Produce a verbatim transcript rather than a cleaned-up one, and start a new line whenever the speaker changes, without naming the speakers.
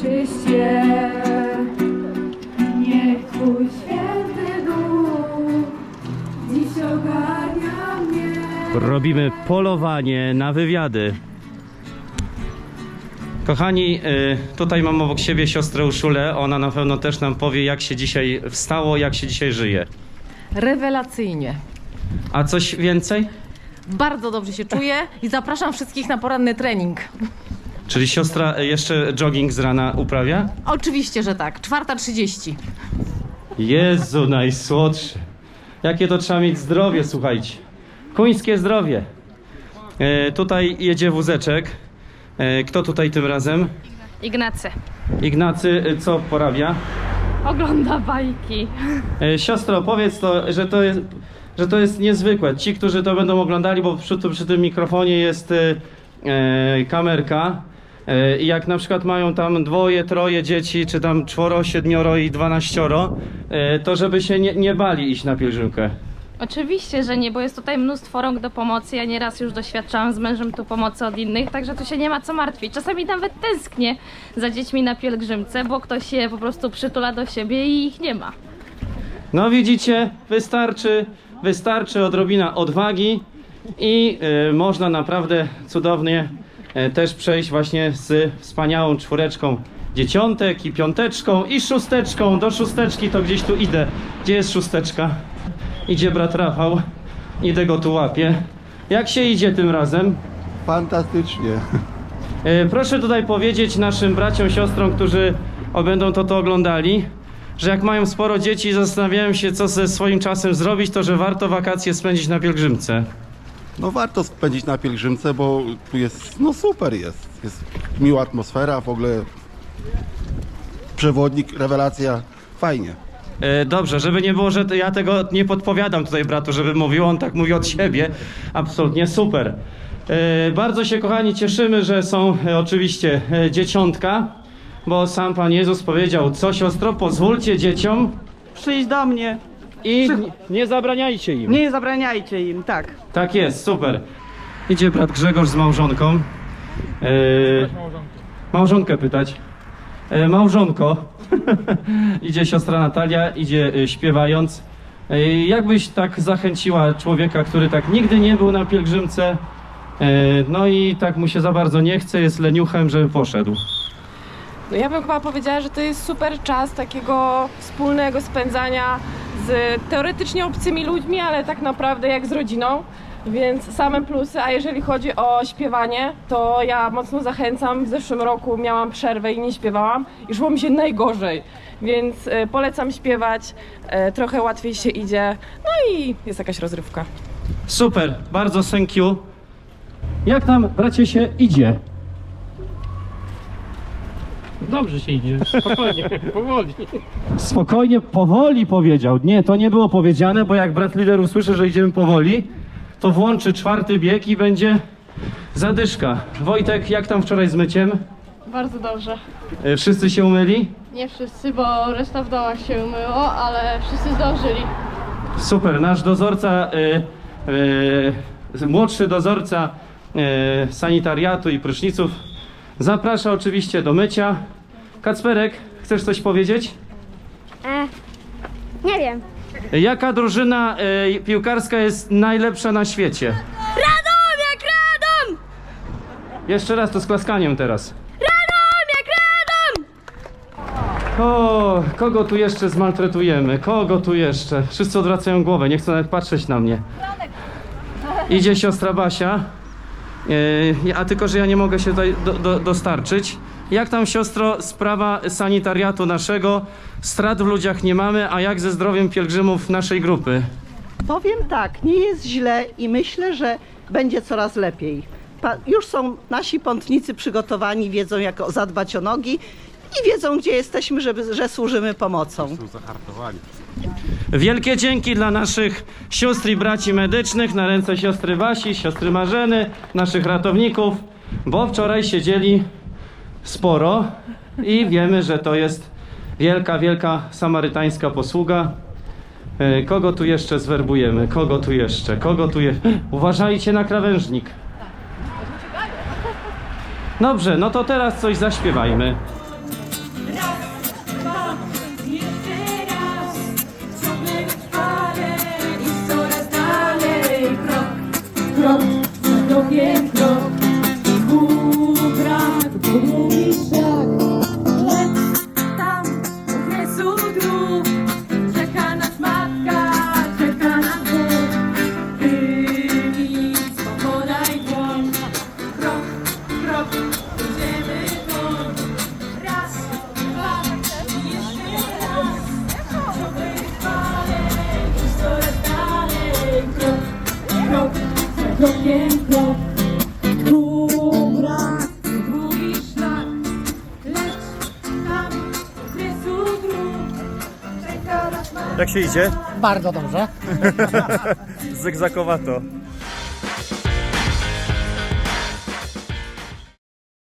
czyście. Niech Twój święty duch dziś ogarnia mnie.
Robimy polowanie na wywiady. Kochani, tutaj mam obok siebie siostrę Urszulę. Ona na pewno też nam powie, jak się dzisiaj wstało, jak się dzisiaj żyje.
Rewelacyjnie.
A coś więcej?
Bardzo dobrze się czuję i zapraszam wszystkich na poranny trening.
Czyli siostra jeszcze jogging z rana uprawia?
Oczywiście, że tak. czwarta trzydzieści.
Jezu, najsłodszy. Jakie to trzeba mieć zdrowie, słuchajcie. Kuńskie zdrowie. E, tutaj jedzie wózeczek. E, kto tutaj tym razem?
Ignacy.
Ignacy, e, co porabia?
Ogląda bajki.
E, siostro, powiedz to, że to jest, że to jest niezwykłe. Ci, którzy to będą oglądali, bo przy, przy tym mikrofonie jest e, e, kamerka. E, I jak na przykład mają tam dwoje, troje dzieci, czy tam czworo, siedmioro i dwanaścioro, e, to żeby się nie, nie bali iść na pielgrzymkę.
Oczywiście, że nie, bo jest tutaj mnóstwo rąk do pomocy. Ja nieraz już doświadczałam z mężem tu pomocy od innych, także tu się nie ma co martwić. Czasami nawet tęsknię za dziećmi na pielgrzymce, bo ktoś je po prostu przytula do siebie i ich nie ma.
No widzicie, wystarczy, wystarczy odrobina odwagi i y, można naprawdę cudownie y, też przejść właśnie z wspaniałą czwóreczką dzieciątek i piąteczką i szósteczką. Do szósteczki to gdzieś tu idę. Gdzie jest szósteczka? Idzie brat Rafał. Idę go tu łapię. Jak się idzie tym razem?
Fantastycznie.
Y, proszę tutaj powiedzieć naszym braciom, siostrom, którzy będą to, to oglądali, że jak mają sporo dzieci i zastanawiają się, co ze swoim czasem zrobić, to że warto wakacje spędzić na pielgrzymce.
No warto spędzić na pielgrzymce, bo tu jest, no super jest. Jest miła atmosfera, w ogóle przewodnik, rewelacja, fajnie.
E, dobrze, żeby nie było, że to ja tego nie podpowiadam tutaj bratu, żeby mówił, on tak mówi od siebie. Absolutnie super. E, bardzo się, kochani, cieszymy, że są e, oczywiście e, dzieciątka, bo sam Pan Jezus powiedział: co siostro, pozwólcie dzieciom
Przyjdź do mnie.
i nie, nie zabraniajcie im.
Nie zabraniajcie im, tak.
Tak jest, super. Idzie brat Grzegorz z małżonką. E, małżonkę pytać. E, małżonko. Idzie siostra Natalia, idzie e, śpiewając. E, jakbyś tak zachęciła człowieka, który tak nigdy nie był na pielgrzymce, e, no i tak mu się za bardzo nie chce, jest leniuchem, żeby poszedł.
No ja bym chyba powiedziała, że to jest super czas takiego wspólnego spędzania z teoretycznie obcymi ludźmi, ale tak naprawdę jak z rodziną, więc same plusy. A jeżeli chodzi o śpiewanie, to ja mocno zachęcam. W zeszłym roku miałam przerwę i nie śpiewałam i szło mi się najgorzej, więc y, polecam śpiewać, y, trochę łatwiej się idzie, no i jest jakaś rozrywka.
Super, bardzo thank you. Jak tam, bracie, się idzie?
Dobrze się idzie, spokojnie, powoli.
Spokojnie, powoli powiedział. Nie, to nie było powiedziane, bo jak brat lider usłyszy, że idziemy powoli, to włączy czwarty bieg i będzie zadyszka. Wojtek, jak tam wczoraj z myciem?
Bardzo dobrze.
E, Wszyscy się umyli?
Nie wszyscy, bo reszta w dołach się umyło, ale wszyscy zdążyli.
Super, nasz dozorca, e, e, młodszy dozorca e, sanitariatu i pryszniców zaprasza oczywiście do mycia. Kacperek, chcesz coś powiedzieć?
E, nie wiem.
Jaka drużyna e, piłkarska jest najlepsza na świecie?
Radom jak Radom!
Jeszcze raz, to z klaskaniem teraz.
Radom jak Radom!
O, kogo tu jeszcze zmaltretujemy? Kogo tu jeszcze? Wszyscy odwracają głowę, nie chcą nawet patrzeć na mnie. Idzie siostra Basia. E, a tylko, że ja nie mogę się tutaj do, do, dostarczyć. Jak tam, siostro, sprawa sanitariatu naszego? Strat w ludziach nie mamy, a jak ze zdrowiem pielgrzymów naszej grupy?
Powiem tak, nie jest źle i myślę, że będzie coraz lepiej. Pa, już są nasi pątnicy przygotowani, wiedzą jak zadbać o nogi i wiedzą, gdzie jesteśmy, żeby, że służymy pomocą.
Są zahartowani.
Wielkie dzięki dla naszych sióstr i braci medycznych, na ręce siostry Basi, siostry Marzeny, naszych ratowników, bo wczoraj siedzieli sporo i wiemy, że to jest wielka, wielka samarytańska posługa. E, Kogo tu jeszcze zwerbujemy? Kogo tu jeszcze? Kogo tu jeszcze? Uważajcie na krawężnik. Dobrze, no to teraz coś zaśpiewajmy.
Jak się idzie?
Bardzo dobrze.
Zygzakowato.